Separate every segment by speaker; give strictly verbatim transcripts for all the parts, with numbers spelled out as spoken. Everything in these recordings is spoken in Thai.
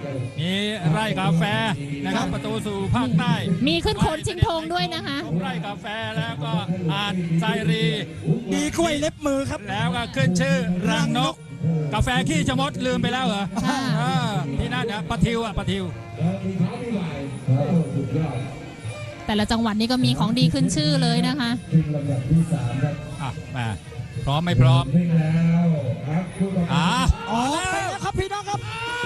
Speaker 1: มีไร่กาแฟนะครับประตูสู่ภาคใต้
Speaker 2: มีขึ้นโขนชิงธงด้วยนะคะ
Speaker 1: ไร่กาแฟแล้วก็อ่านไซรี
Speaker 3: ดีกล้วยเล็บมือครับ
Speaker 1: แล้วก็ขึ้นชื่อรังนก กาแฟขี้ชะมดลืมไปแล้วเหรอ
Speaker 2: ค่ะ
Speaker 1: เออที่นั่นนะปะทิวอ่ะปะทิว
Speaker 2: แต่ละจังหวัดนี่ก็มีของดีขึ้นชื่อเลยนะคะ
Speaker 1: อ่ะมาพร้อมไม่พร้อมอ่ะ
Speaker 3: ออกไปแล้วครับพี่น้องครับ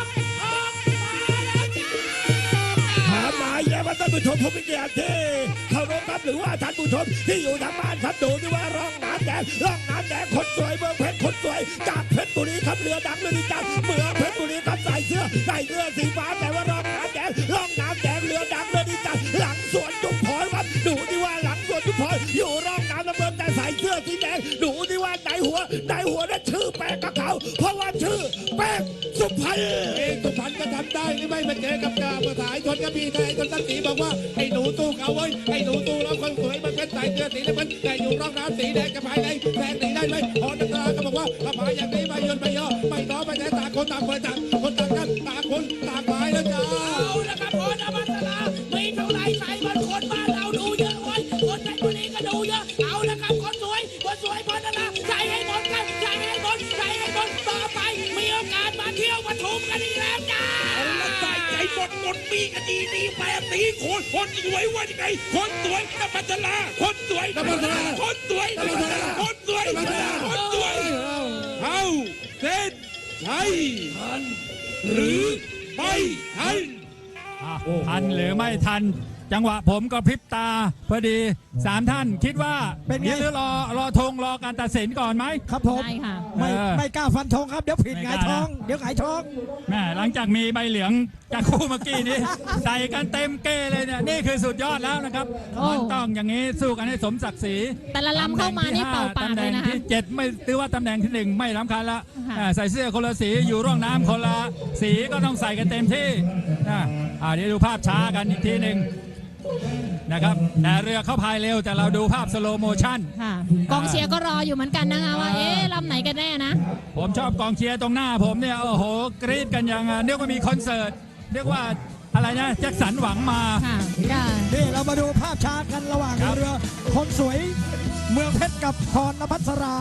Speaker 4: ถามหมายแล้วว่าท่านผู้ชมผู้มีเกียรติที่เคารพครับหรือว่าท่านผู้ชมที่อยู่ทางบ้านครับดูที่ว่าร่องน้ำแดงร่องน้ำแดงคนสวยเมืองเพชรคนสวยจากเพชรบุรีครับเรือดังเรือดีจังเมืองเพชรบุรีครับใส่เสื้อใส่เสื้อสีฟ้าแต่ว่าร่องน้ำแดงร่องน้ำแดงเรือดังเรือดีจังหลังสวนจุ๊บพรครับดูที่ว่าหลังสวนจุ๊บพรอยู่ร่องน้ำน้ำเงินแต่ใส่เสื้อสีแดงดูที่ว่าไหนหัวไหนหัวนั้นชื่อแป้งกับเขาเพราะว่าชื่อแป้งสุพรรณเองสุพรรณก็ทำได้นี่ไม่มาเจอกับกาภาษาชนกระบี่ไทยชนสันติบอกว่าไอ้หนูตู้เขาเว้ยไอ้หนูตู้เราคนสวยมันเป็นใส่เสื้อสีน้ำเงินแต่อยู่ร่องน้ำสีแดงกับภายในแดงสีได้ไหมพอนักตาก็บอกว่าถ้าภายอย่างนี้ไม่ยนไม่ย่อไม่น้อไม่แน่ต่างคนต่างคนต่างคนต่างกันต่างคนต่างหมายแล้วจ้าเอาละครับพอนะมัสลามีเท่าไรใส่มันคนบ้านเราดูเยอะเว้ยคนในบุรีก็ดูเยอะเอาละครับคนสวยคนสวยพอนะนะใส่ให้หมดกันใส่ให้หมดใส่ให้หมดต่อไปมีโอกาสมาเที่ยวปทุมกันอีกแล้วจ้าเอาละใส่ใจหมดหมดมีกันดีดีแบบนี้คนคนสวยว่ายังไงคนสวยนมัสลาคนสวยนมัสลาคนสวยนมัสลาคนสวยนมัสลาคนสวยเอาเส้นใช่ทันหรือไม่ทัน
Speaker 1: อ่ะทันหรือไม่ทันจังหวะผมก็พริบตาพอดีสามท่านคิดว่า
Speaker 3: เป็นไง
Speaker 1: หรือรอรอธงรอการตัดสินก่อนไหม
Speaker 3: ครับผม
Speaker 2: ได้ค่ะ
Speaker 3: ไม่
Speaker 1: เออ
Speaker 3: ไม่กล้าฟันธงครับเดี๋ยวผิด
Speaker 1: ไม่
Speaker 3: ห
Speaker 1: ก
Speaker 3: งา
Speaker 1: ล้าย
Speaker 3: ท้อง
Speaker 1: นะ
Speaker 3: เดี๋ยวหงายท้อง
Speaker 1: แม่หลังจากมีใบเหลืองจากคู่เมื่อกี้นี้ ใส่กันเต็มเก้เลยเนี่ยนี่คือสุดยอดแล้วนะครับ
Speaker 2: โอ้
Speaker 1: มันต้องอย่างนี้สู้กันให้สมศักดิ์ศรี
Speaker 2: แต่ละลำเข้ามานี่เป่าปาก
Speaker 1: ตำแห
Speaker 2: เล
Speaker 1: น่
Speaker 2: ย
Speaker 1: ง
Speaker 2: นะคะ
Speaker 1: ที่เจ็ดไม่ถือว่าตำแหน่งที่หนึ่งไม่สำคัญละ
Speaker 2: ค่ะ
Speaker 1: อ่าใส่เสื้อคนละสีอยู่ร่องน้ำคนละสีก็ต้องใส่กันเต็มที่นะอ่าเดี๋ยวดูภาพช้ากันอีกทีหนึ่งนะครับแต่เรือเขาพายเร็วแต่เราดูภาพสโลโมชั่น
Speaker 2: ค่ะกองเชียร์ก็รออยู่เหมือนกันนะคะว่าเอ๊ะลำไหนกันแน่นะ
Speaker 1: ผมชอบกองเชียร์ตรงหน้าผมเนี่ยโอ้โหกรี๊ดกันอย่างเรียกว่ามีคอนเสิร์ตเรียกว่าอะไรนะแจ็คสันหวังมา
Speaker 2: ค่ะก็
Speaker 3: นี่เรามาดูภาพช้ากันระหว่าง
Speaker 1: ครับ
Speaker 3: เรือคนสวยเมืองเพชรกับพรณพัสรา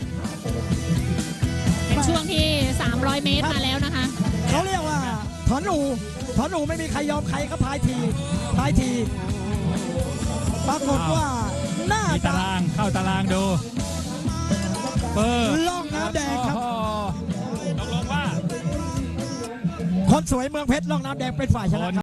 Speaker 2: เป็นช่วงที่ สามร้อย เมตรมาแล้วนะคะ
Speaker 3: เขาเรียกว่าถอนอูถอนอูไม่มีใครยอมใครก็พายทีพายทีปรากฏว่าน่า
Speaker 1: มี
Speaker 3: จะ
Speaker 1: ตารางเข้าตารางดูเปิด
Speaker 3: ล่องน้ำแดงครับ
Speaker 1: โอ้โหตกลงว่า
Speaker 3: คนสวยเมืองเพชรล่องน้ำแดงเป็นฝ่ายชนะครับ